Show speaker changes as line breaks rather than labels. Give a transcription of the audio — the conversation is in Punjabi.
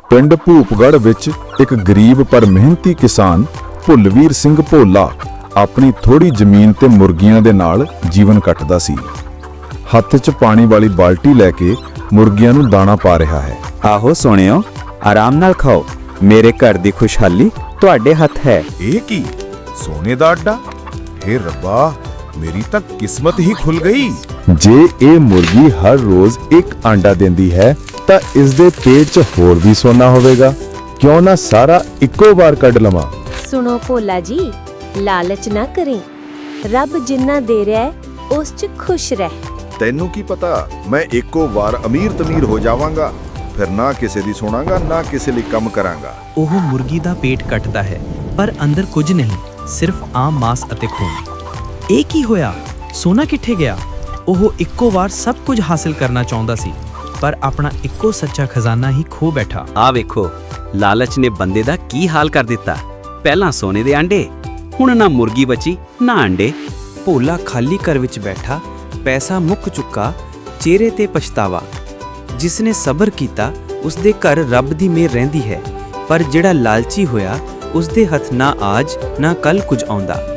ਪਿੰਡ ਭੂਪਗੜ੍ਹ ਵਿੱਚ ਇੱਕ ਗਰੀਬ ਪਰ ਮਿਹਨਤੀ ਕਿਸਾਨ ਭੁੱਲਵੀਰ ਸਿੰਘ ਭੋਲਾ ਆਪਣੀ ਥੋੜੀ ਜ਼ਮੀਨ ਤੇ ਮੁਰਗੀਆਂ ਦੇ ਨਾਲ ਜੀਵਨ ਕੱਟਦਾ ਸੀ। ਹੱਥ 'ਚ ਪਾਣੀ ਵਾਲੀ ਬਾਲਟੀ ਲੈ ਕੇ ਮੁਰਗੀਆਂ ਨੂੰ ਦਾਣਾ ਪਾ ਰਿਹਾ ਹੈ।
ਆਹੋ ਸੋਹਣਿਓ, ਆਰਾਮ ਨਾਲ ਖਾਓ, ਮੇਰੇ ਘਰ ਦੀ ਖੁਸ਼ਹਾਲੀ ਤੁਹਾਡੇ ਹੱਥ ਹੈ।
ਇਹ ਕੀ ਸੋਨੇ ਦਾ ਅੱਡਾ? ਹੇ ਰੱਬਾ, ਮੇਰੀ ਤਾਂ ਕਿਸਮਤ ਹੀ ਖੁੱਲ ਗਈ।
ਜੇ ਇਹ ਮੁਰਗੀ ਹਰ ਰੋਜ਼ ਇੱਕ ਆਂਡਾ ਦਿੰਦੀ ਹੈ ਤਾਂ ਇਸ ਦੇ ਪੇਟ 'ਚ ਹੋਰ ਵੀ ਸੋਨਾ ਹੋਵੇਗਾ। ਕਿਉਂ ਨਾ ਸਾਰਾ ਇੱਕੋ ਵਾਰ ਕੱਢ ਲਵਾਂ।
ਸੁਣੋ ਭੋਲਾ ਜੀ, ਲਾਲਚ ਨਾ ਕਰੇ। ਰੱਬ ਜਿੰਨਾ ਦੇ ਰਿਹਾ ਹੈ ਉਸ 'ਚ ਖੁਸ਼ ਰਹਿ।
ਤੈਨੂੰ ਕੀ ਪਤਾ, ਮੈਂ ਇੱਕੋ ਵਾਰ ਅਮੀਰ ਤਮੀਰ ਹੋ ਜਾਵਾਂਗਾ, ਫਿਰ ਨਾ ਕਿਸੇ ਦੀ ਸੁਣਾਂਗਾ ਨਾ ਕਿਸੇ ਲਈ ਕੰਮ ਕਰਾਂਗਾ।
ਉਹ ਮੁਰਗੀ ਦਾ ਪੇਟ ਕੱਟਦਾ ਹੈ ਪਰ ਅੰਦਰ ਕੁਝ ਨਹੀਂ, ਸਿਰਫ ਆਮ ਮਾਸ ਅਤੇ ਖੂਨ। ਇਹ ਕੀ ਹੋਇਆ? ਸੋਨਾ ਕਿੱਥੇ ਗਿਆ? ਉਹ ਇੱਕੋ ਵਾਰ ਸਭ ਕੁਝ ਹਾਸਲ ਕਰਨਾ ਚਾਹੁੰਦਾ ਸੀ ਪਰ ਆਪਣਾ ਇੱਕੋ ਸੱਚਾ ਖਜ਼ਾਨਾ ਹੀ ਖੋ ਬੈਠਾ।
ਆ ਵੇਖੋ, ਲਾਲਚ ਨੇ ਬੰਦੇ ਦਾ ਕੀ ਹਾਲ ਕਰ ਦਿੱਤਾ। ਪਹਿਲਾਂ ਸੋਨੇ ਦੇ ਆਂਡੇ, ਹੁਣ ਨਾ ਮੁਰਗੀ ਬਚੀ ਨਾ ਅੰਡੇ। ਭੋਲਾ ਖਾਲੀ ਘਰ ਵਿੱਚ ਬੈਠਾ, ਪੈਸਾ ਮੁੱਕ ਚੁੱਕਾ, ਚਿਹਰੇ ਤੇ ਪਛਤਾਵਾ। ਜਿਸਨੇ ਸਬਰ ਕੀਤਾ ਉਸਦੇ ਘਰ ਰੱਬ ਦੀ ਮਿਹਰ ਰਹਿੰਦੀ ਹੈ, ਪਰ ਜਿਹੜਾ ਲਾਲਚੀ ਹੋਇਆ ਉਸਦੇ ਹੱਥ ਨਾ ਆਜ ਨਾ ਕੱਲ ਕੁਝ ਆਉਂਦਾ।